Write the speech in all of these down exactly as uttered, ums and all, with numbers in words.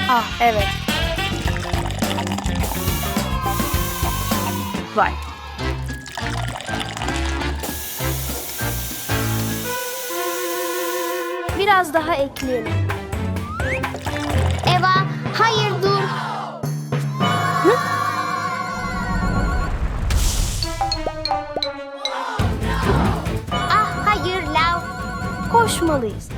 Ah evet. Vay. Biraz daha ekleyelim. Eva, hayır dur. Ah hayır Lav. Koşmalıyız.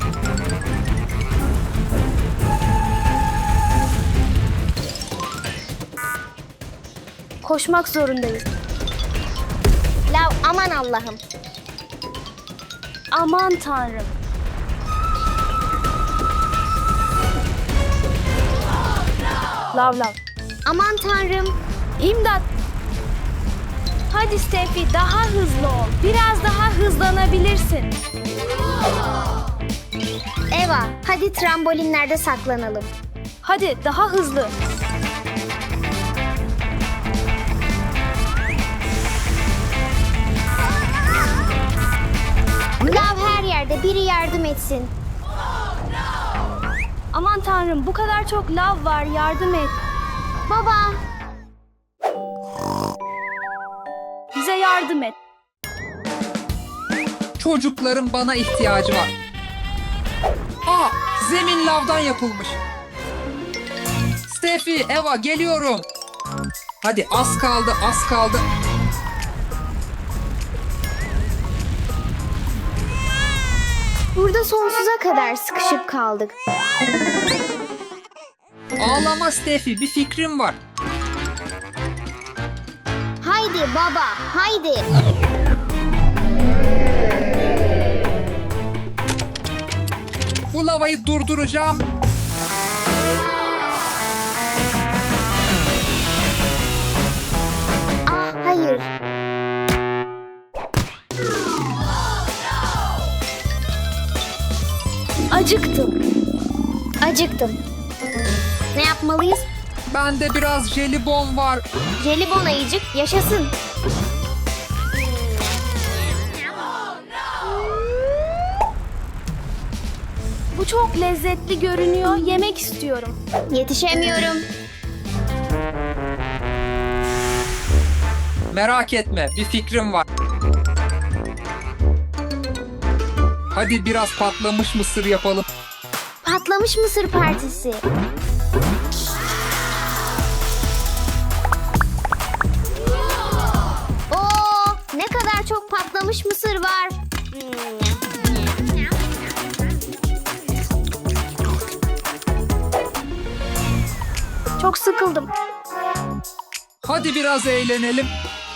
Koşmak zorundayız. Lav aman Allah'ım. Aman Tanrım. Lav lav. Aman Tanrım. İmdat. Hadi Steffi daha hızlı ol. Biraz daha hızlanabilirsin. Eva, hadi trambolinlerde saklanalım. Hadi daha hızlı. Lav her yerde, biri yardım etsin. Aman Tanrım bu kadar çok lav var, yardım et. Baba. Bize yardım et. Çocukların bana ihtiyacı var. Aa, zemin lavdan yapılmış. Steffi, Eva geliyorum. Hadi az kaldı, az kaldı. Burada sonsuza kadar sıkışıp kaldık. Ağlama Steffi, bir fikrim var. Haydi baba, haydi. Bu lavayı durduracağım. Ah hayır. Acıktım. Acıktım. Ne yapmalıyız? Bende biraz jelibon var. Jelibon ayıcık yaşasın. Bu çok lezzetli görünüyor. Yemek istiyorum. Yetişemiyorum. Merak etme, bir fikrim var. Hadi biraz patlamış mısır yapalım. Patlamış mısır partisi. Oo, ne kadar çok patlamış mısır var. Çok sıkıldım. Hadi biraz eğlenelim.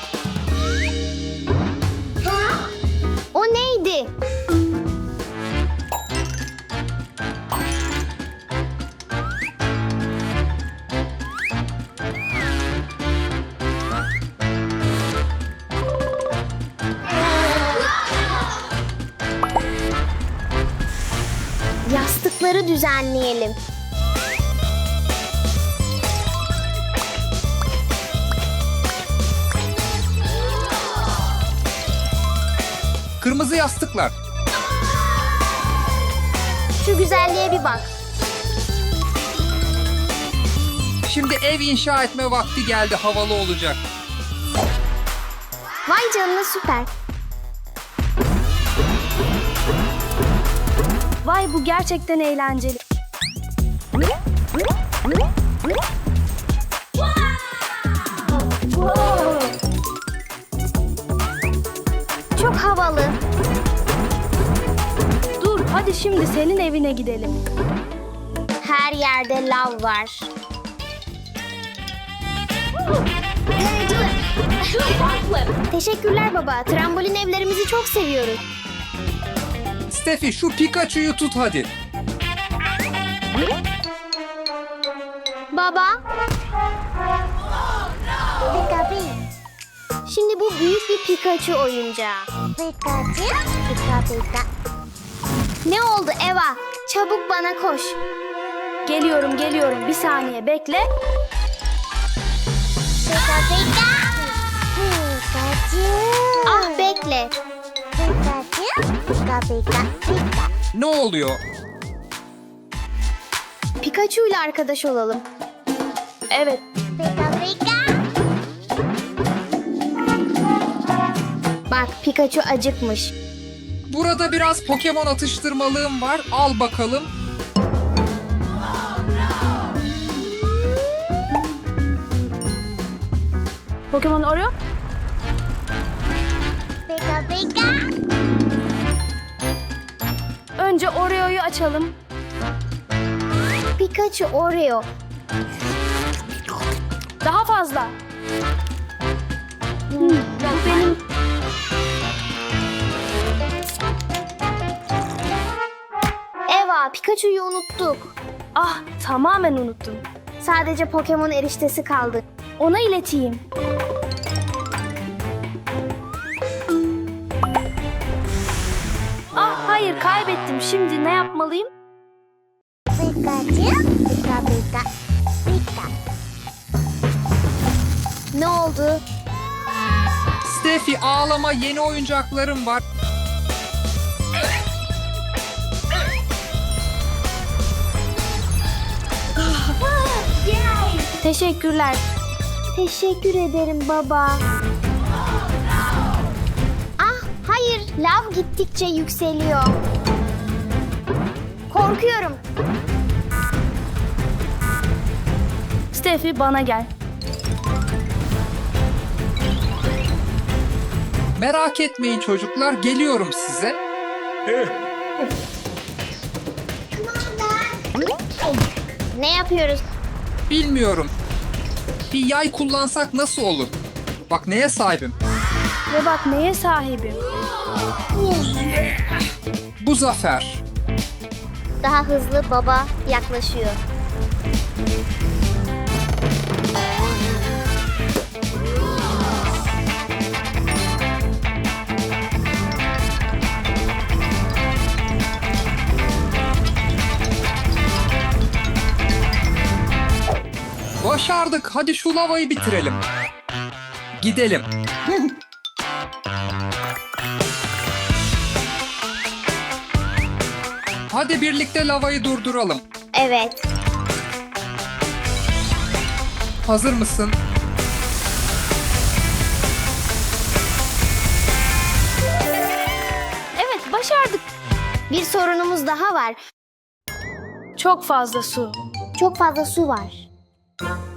O neydi? Yastıkları düzenleyelim. Kırmızı yastıklar. Şu güzelliğe bir bak. Şimdi ev inşa etme vakti geldi, havalı olacak. Vay canına süper. Vay bu gerçekten eğlenceli. Çok havalı. Dur hadi şimdi senin evine gidelim. Her yerde lav var. Teşekkürler baba. Trambolin evlerimizi çok seviyoruz. Steffi şu Pikachu'yu tut hadi. Baba. Şimdi bu büyük bir Pikachu oyuncağı. Pikachu? Pika pika. Ne oldu Eva? Çabuk bana koş. Geliyorum geliyorum bir saniye bekle. Pika pika. Pikachu. Ah bekle. Pikachu. Pika pika pika. Ne oluyor? Pikachu ile arkadaş olalım. Evet. Pika pika. Bak Pikachu acıkmış. Burada biraz Pokemon atıştırmalığım var. Al bakalım. Pokemon Oreo. Pika pika. Önce Oreo'yu açalım. Pikachu Oreo. Daha fazla. Hmm, bu benim. Eva, Pikachu'yu unuttuk. Ah, tamamen unuttum. Sadece Pokemon eriştesi kaldı. Ona ileteyim. Ah, hayır, kaybettim. Şimdi ne yapmalıyım? Pikachu, pika pika, pika. Ne oldu? Steffi ağlama, yeni oyuncaklarım var. Teşekkürler. Teşekkür ederim baba. Ah, hayır, lav gittikçe yükseliyor. Korkuyorum. Steffi, bana gel. Merak etmeyin çocuklar, geliyorum size. Ne yapıyoruz? Bilmiyorum. Bir yay kullansak nasıl olur? Bak neye sahibim. Ve bak neye sahibim. Bu zafer. Daha hızlı baba yaklaşıyor. Başardık. Hadi şu lavayı bitirelim. Gidelim. Hadi birlikte lavayı durduralım. Evet. Hazır mısın? Evet, başardık. Bir sorunumuz daha var. Çok fazla su. Çok fazla su var.